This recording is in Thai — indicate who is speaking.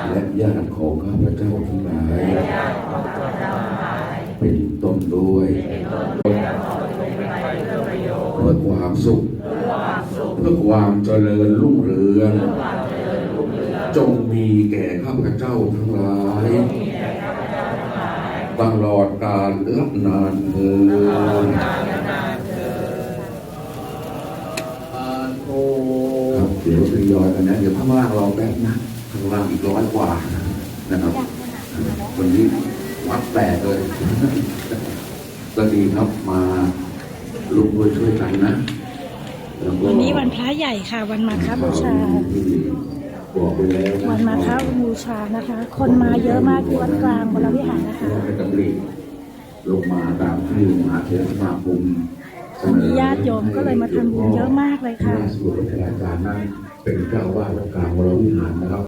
Speaker 1: และญาติของข้าพเจ้าทั้งหลายเป็นต้นด้วยเพื่อความสุขเพื่อความเจริญรุ่งเรืองจงมีแก่ข้าพเจ้าทั้งหลายตลอดกาลนานเถิดครับเดี๋ยวทยอยกันนะเดี๋ยวข้างล่างรอแป๊บนะข้างล่างอีก100 กว่านะครับวันนี้วัดแตกเลยก็ดีครับมาลุงด้วยช่วยกันนะ
Speaker 2: วันนี้วันพระใหญ่ค่ะวันมาฆบูชา
Speaker 1: บอกไปแล้ว
Speaker 2: วันมาฆบูชานะคะคนมาเยอะมากที่วัดกลางวรวิหารนะคะ
Speaker 1: ลงมาตามที่มหาเถรสมาคม
Speaker 2: วันนี้ญาติโยมก็เลยมาทำบุญเยอะมากเลยค่ะ
Speaker 1: ส่วนพระอาจารย์นั้นเป็นเจ้าวาดวัดกลางวรวิหารนะครับ